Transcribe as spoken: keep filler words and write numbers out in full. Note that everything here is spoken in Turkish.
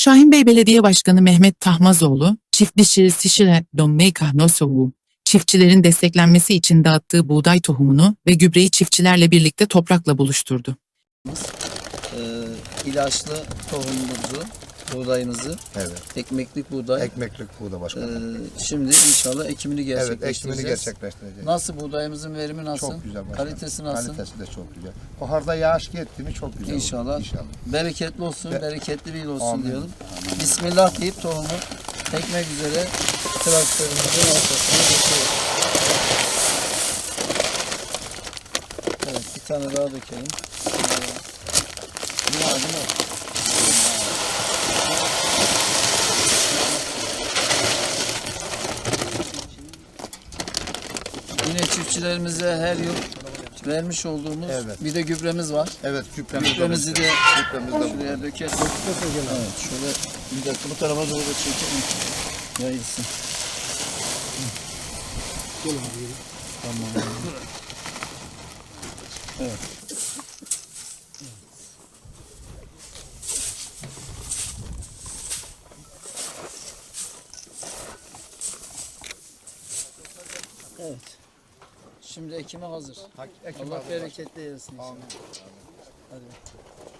Şahinbey Belediye Başkanı Mehmet Tahmazoğlu, çiftçi Sişile Domeyka Nosovu, çiftçilerin desteklenmesi için dağıttığı buğday tohumunu ve gübreyi çiftçilerle birlikte toprakla buluşturdu. Ee, ilaçlı tohumumuzu, buğdayımızı, Evet. ekmeklik buğday. Ekmeklik buğday başkanım. Ee, şimdi inşallah ekimini Evet, gerçekleştireceğiz. ekimini gerçekleştireceğiz. Nasıl buğdayımızın verimi nasıl? Çok güzel başkanım. Kalitesi nasıl? Kalitesi de çok güzel. Baharda yağış gitti mi çok güzel İnşallah. olur. İnşallah. Bereketli olsun, Be- bereketli bir yıl olsun Amin. diyelim. Bismillah deyip tohumu ekmek üzere traktörümüzün ortasına geçiyoruz. Evet, bir tane daha dökelim. Ne var, ne var? Yine çiftçilerimize her yıl vermiş olduğumuz Evet. bir de gübremiz var. Evet, gübremiz Gübremizi de Gübremiz de şuraya dökelim. Evet, şöyle bir dakika bu tarafa doğru da çekelim. Yayılsın. Tamam. Evet. Evet. Şimdi ekime hazır. Ekim Allah hazır. bereketli eylesin inşallah. Amin. Hadi.